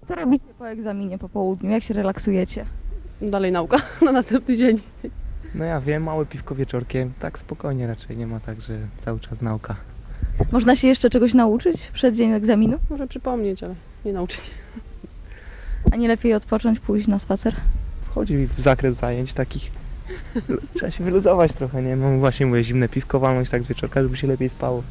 Co robicie po egzaminie po południu? Jak się relaksujecie? Dalej nauka na następny dzień. No ja wiem, małe piwko wieczorkiem, tak spokojnie raczej, nie ma tak, że cały czas nauka. Można się jeszcze czegoś nauczyć przed dzień egzaminu? Może przypomnieć, ale nie nauczyć. A nie lepiej odpocząć, pójść na spacer? Wchodzi w zakres zajęć takich. Trzeba się wyluzować trochę, nie? Mam właśnie mówię, zimne piwko walnąć tak z wieczorka, żeby się lepiej spało.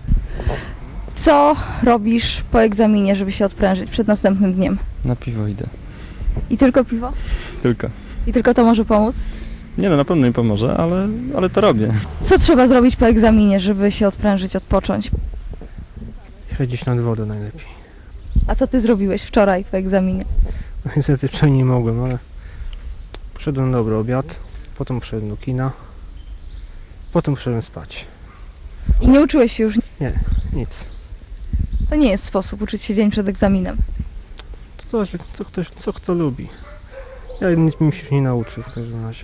Co robisz po egzaminie, żeby się odprężyć przed następnym dniem? Na piwo idę. I tylko piwo? Tylko. I tylko to może pomóc? Nie no, na pewno mi pomoże, ale to robię. Co trzeba zrobić po egzaminie, żeby się odprężyć, odpocząć? Siedzieć nad wodą najlepiej. A co ty zrobiłeś wczoraj po egzaminie? No niestety wczoraj nie mogłem, ale poszedłem na dobry obiad, potem poszedłem do kina, potem poszedłem spać. I nie uczyłeś się już? Nie, nic. To nie jest sposób uczyć się dzień przed egzaminem. To zależy, co kto lubi. Ja nic mi się nie nauczył w każdym razie.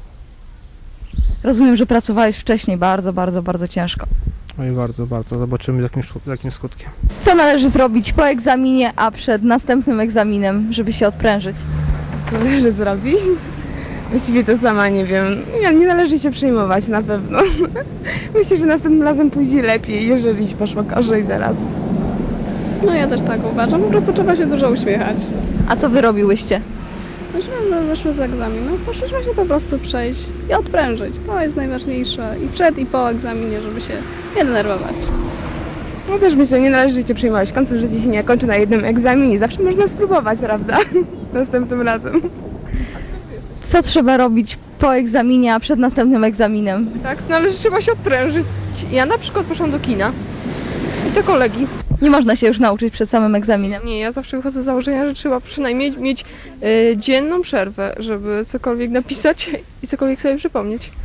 Rozumiem, że pracowałeś wcześniej bardzo, bardzo, bardzo ciężko. No i bardzo, bardzo. Zobaczymy z jakim skutkiem. Co należy zrobić po egzaminie, a przed następnym egzaminem, żeby się odprężyć? Co należy zrobić? Właściwie to sama nie wiem. Nie należy się przejmować na pewno. Myślę, że następnym razem pójdzie lepiej, jeżeli poszło gorzej teraz. No ja też tak uważam, po prostu trzeba się dużo uśmiechać. A co wy robiłyście? Myśmy wyszły z egzaminu, poszliśmy się po prostu przejść i odprężyć. To jest najważniejsze i przed i po egzaminie, żeby się nie denerwować. No też myślę, nie należy się przejmować. Końcem życia się nie kończy na jednym egzaminie. Zawsze można spróbować, prawda? Następnym razem. Co trzeba robić po egzaminie, a przed następnym egzaminem? Tak, trzeba się odprężyć. Ja na przykład poszłam do kina i do kolegi. Nie można się już nauczyć przed samym egzaminem. Nie, ja zawsze wychodzę z założenia, że trzeba przynajmniej mieć dzienną przerwę, żeby cokolwiek napisać i cokolwiek sobie przypomnieć.